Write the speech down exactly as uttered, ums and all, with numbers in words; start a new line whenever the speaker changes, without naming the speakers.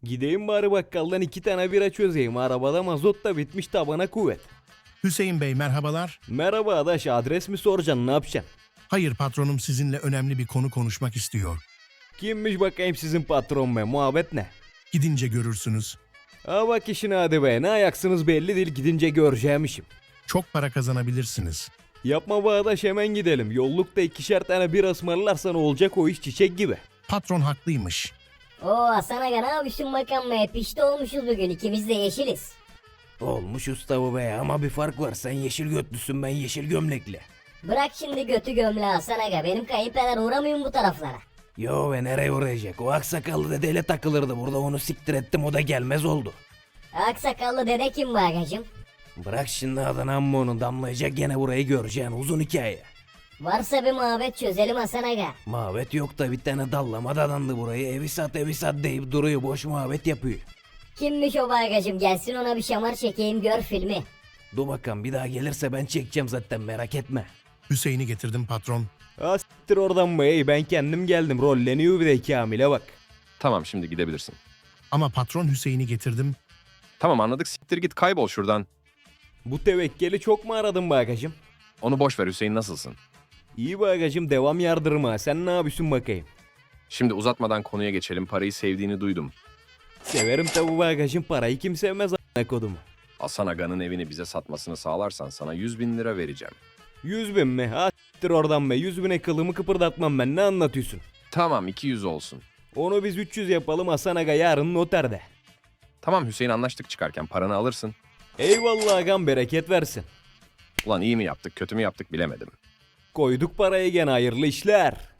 Gideyim bari bakkaldan iki tane bira çözeyim. Arabada mazot da bitmiş, tabana kuvvet.
Hüseyin Bey merhabalar.
Merhaba adaş, adres mi soracaksın, ne yapacaksın?
Hayır patronum sizinle önemli bir konu konuşmak istiyor.
Kimmiş bakayım sizin patron be, muhabbet ne?
Gidince görürsünüz.
Ha bak işine hadi be, ne ayaksınız belli değil, gidince göreceğim işim.
Çok para kazanabilirsiniz.
Yapma be adaş, hemen gidelim. Yollukta ikişer tane bira ısmarlarsan olacak o iş, çiçek gibi.
Patron haklıymış.
Oo Hasan Aga, ne yapıyorsun bakalım be? Pişti olmuşuz bugün, ikimiz de yeşiliz.
Olmuş usta bu be, ama bir fark var, sen yeşil götlüsün, ben yeşil gömlekli.
Bırak şimdi götü gömle Hasan Aga, benim kayınpeder uğramıyor mu bu taraflara?
Yo be, nereye uğrayacak, o aksakallı dedeyle takılırdı burada, onu siktir ettim, o da gelmez oldu.
Aksakallı dede kim bagacım?
Bırak şimdi adını, amma onun damlayacak, gene burayı göreceksin, uzun hikaye.
Varsa bir muhabbet çözelim Hasan Aga.
Muhabbet yok da bir tane dallama dadandı burayı, evi sat evi sat deyip duruyor, boş muhabbet yapıyor.
Kimmiş o bagacım, gelsin ona bir şamar çekeyim, gör filmi.
Dur bakalım, bir daha gelirse ben çekeceğim zaten, merak etme.
Hüseyin'i getirdim patron.
Ha siktir oradan be, ey, ben kendim geldim, rolleniyor bir de Kamil'e bak.
Tamam şimdi gidebilirsin.
Ama patron Hüseyin'i getirdim.
Tamam anladık, siktir git kaybol şuradan.
Bu tevekkeli çok mu aradın bagacım?
Onu boş ver Hüseyin, nasılsın?
İyi bagacım, devam yardırma, sen ne yapıyorsun bakayım?
Şimdi uzatmadan konuya geçelim, parayı sevdiğini duydum.
Severim tabu bagacım, parayı kim sevmez a**ına kodumu.
Hasan Aga'nın evini bize satmasını sağlarsan sana yüz bin lira vereceğim.
Yüz bin mi? Ha siktir oradan be, yüz bine kılımı kıpırdatmam ben, ne anlatıyorsun?
Tamam iki yüz olsun.
Onu biz üç yüz yapalım, Hasan Aga yarın noterde.
Tamam Hüseyin, anlaştık, çıkarken paranı alırsın.
Eyvallah agam, bereket versin.
Ulan iyi mi yaptık kötü mü yaptık bilemedim.
Koyduk parayı gene, hayırlı işler.